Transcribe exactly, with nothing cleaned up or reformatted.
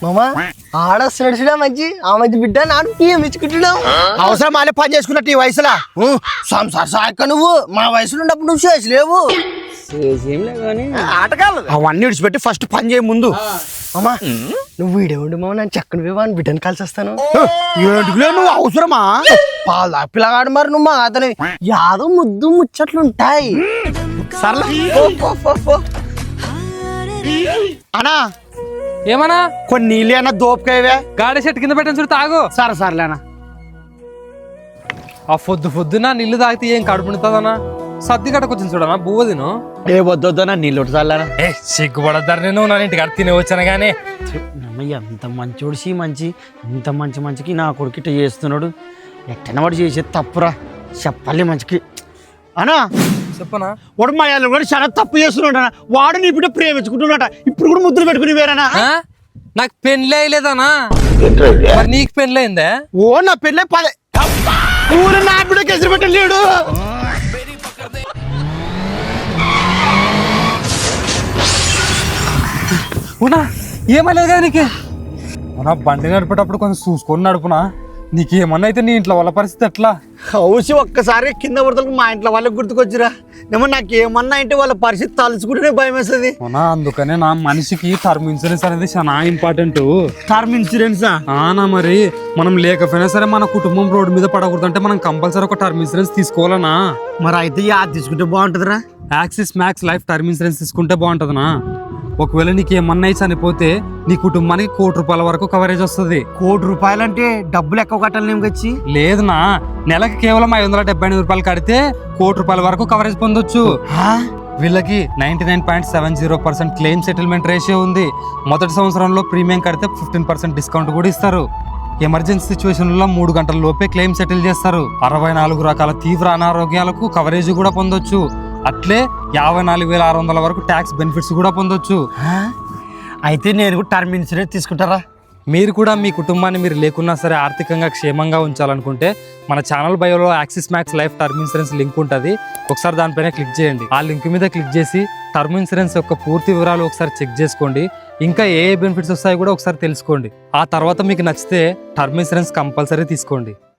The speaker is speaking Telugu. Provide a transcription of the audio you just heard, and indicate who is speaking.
Speaker 1: మామా ఆడొస్తున్నాడు చూడా మంచి ఆ మంచి బిడ్డ నాడు పిఎం ఇచ్చుకుంటున్నావు
Speaker 2: అవసరం మాలే పని చేసుకున్నట్టు ఈ వయసులో
Speaker 1: సంసార సాయక నువ్వు మా వయసులో ఉన్నప్పుడు నువ్వు చేసలేవు
Speaker 2: ఆటగాళ్ళు అవన్నీ విడిచిపెట్టి ఫస్ట్ పని చేయ ముందు.
Speaker 1: అమ్మా నువ్వు వీడేవండి మామ నేను చక్కని వివాహం బిడ్డను కలిసి వస్తాను.
Speaker 2: ఏంటిలే నువ్వు అవసరమా?
Speaker 1: పాలు పిల్లగాడు మరి నువ్వు మా అతని యాదో ముద్దు ముచ్చట్లు ఉంటాయి.
Speaker 2: సర్లే అనా
Speaker 3: ఏమన్నా
Speaker 2: కొన్ని నీళ్ళు అన్న దోపకాయవే
Speaker 3: గాడి చెట్టు కింద పెట్టని చూడు తాగు.
Speaker 2: సరే సర్లేనా.
Speaker 3: ఆ పొద్దు పొద్దున నీళ్లు తాగితే ఏం కడుపు నిండుతుందన్నా? సర్ది గడకు వచ్చింది చూడనా బువ్వ తిను.
Speaker 2: ఏ వద్దొద్దనా నీళ్ళు చల్లానా.
Speaker 3: ఏ సిగ్గుపడద్దారు నేను నా ఇంటికి అడి తినే వచ్చాను కానీ
Speaker 2: ఎంత మంచోడు సి మంచి ఇంత మంచి మంచికి నా కొడుకు ఇట్ట చేస్తున్నాడు. ఎట్టన వాడు చేసేది తప్పురా చెప్పాలి మంచికి అనా.
Speaker 3: చెప్పనా
Speaker 2: వాడు మా వాళ్ళు కూడా చాలా తప్పు చేస్తున్నాడు. వాడు నీ బిడ్డ ప్రేమించుకుంటున్నాట. ఇప్పుడు కూడా ముద్దులు పెట్టుకుని వేరేనా?
Speaker 3: నాకు పెళ్ళి అయ్యలేదానా? మరి నీకు పెళ్ళి అయిందే?
Speaker 2: ఓ నా పెళ్ళే పదే ఊరు నా బిడ్డకి ఎదురు పెట్టలేడు.
Speaker 3: ఉన్నా ఏమలేదు కదా నీకు? అవునా బండి నడిపేటప్పుడు కొంచెం చూసుకొని నడుపునా. నీకేమన్నా అయితే నీ ఇంట్లో వాళ్ళ పరిస్థితి ఎట్లా?
Speaker 2: హౌసి ఒక్కసారి కింద పడతలకు మా ఇంట్లో వాళ్ళకి గుర్తుకొచ్చిరా. ఏమో నాకేమన్నా అంటే వాళ్ళ పరిస్థితి తలుచుకుంటేనే భయం వేస్తుంది.
Speaker 3: అవునా అందుకనే నా మనిషికి టర్మ్ ఇన్సూరెన్స్ అనేది చాలా ఇంపార్టెంట్.
Speaker 2: టర్మ్ ఇన్సూరెన్సా?
Speaker 3: ఆనా మరి మనం లేకపోయినా సరే మన కుటుంబం రోడ్డు మీద పడకూడదు అంటే మనం కంపల్సరీ ఒక టర్మ్ ఇన్సూరెన్స్ తీసుకోవాలనా.
Speaker 2: మరి అయితే యాది తీసుకుంటే బాగుంటుందిరా?
Speaker 3: Axis Max Life term insurance తీసుకుంటే బాగుంటుందనా. ఒకవేళ నీకు ఏమన్నా చనిపోతే నీ కుటుంబానికి కోటి రూపాయల వరకు కవరేజ్ వస్తుంది.
Speaker 2: కోటి రూపాయలంటే డబ్బులు ఎక్కువ కట్టాలి నేమకొచ్చి?
Speaker 3: లేదునా నెలకి కేవలం ఐదు వందల డెబ్బై ఎనిమిది రూపాయలు కడితే కోటి రూపాయల వరకు కవరేజ్ పొందొచ్చు. వీళ్ళకి ninety nine point seven zero percent claim settlement ratio ఉంది. మొదటి సంవత్సరంలో ప్రీమియం కడితే ఫిఫ్టీన్ పర్సెంట్ డిస్కౌంట్ కూడా ఇస్తారు. ఎమర్జెన్సీ సిచ్యువేషన్ లో మూడు గంటల లోపే క్లెయిమ్ సెటిల్ చేస్తారు. అరవై నాలుగు రకాల తీవ్ర అనారోగ్యాలకు కవరేజ్ కూడా పొందొచ్చు. అట్లే యాభై నాలుగు వేల ఆరు వందల వరకు ట్యాక్స్ బెనిఫిట్స్ కూడా పొందొచ్చు.
Speaker 2: అయితే నేను కూడా టర్మ్ ఇన్సూరెన్స్ తీసుకుంటారా?
Speaker 3: మీరు కూడా మీ కుటుంబాన్ని మీరు లేకున్నా సరే ఆర్థికంగా క్షేమంగా ఉంచాలనుకుంటే మన ఛానల్ బయోలో Axis Max Life term insurance link ఉంటుంది. ఒకసారి దానిపైన క్లిక్ చేయండి. ఆ లింక్ మీద క్లిక్ చేసి టర్మ్ ఇన్సూరెన్స్ యొక్క పూర్తి వివరాలు ఒకసారి చెక్ చేసుకోండి. ఇంకా ఏ ఏ బెనిఫిట్స్ వస్తాయో కూడా ఒకసారి తెలుసుకోండి. ఆ తర్వాత మీకు నచ్చితే టర్మ్ ఇన్సూరెన్స్ కంపల్సరీ తీసుకోండి.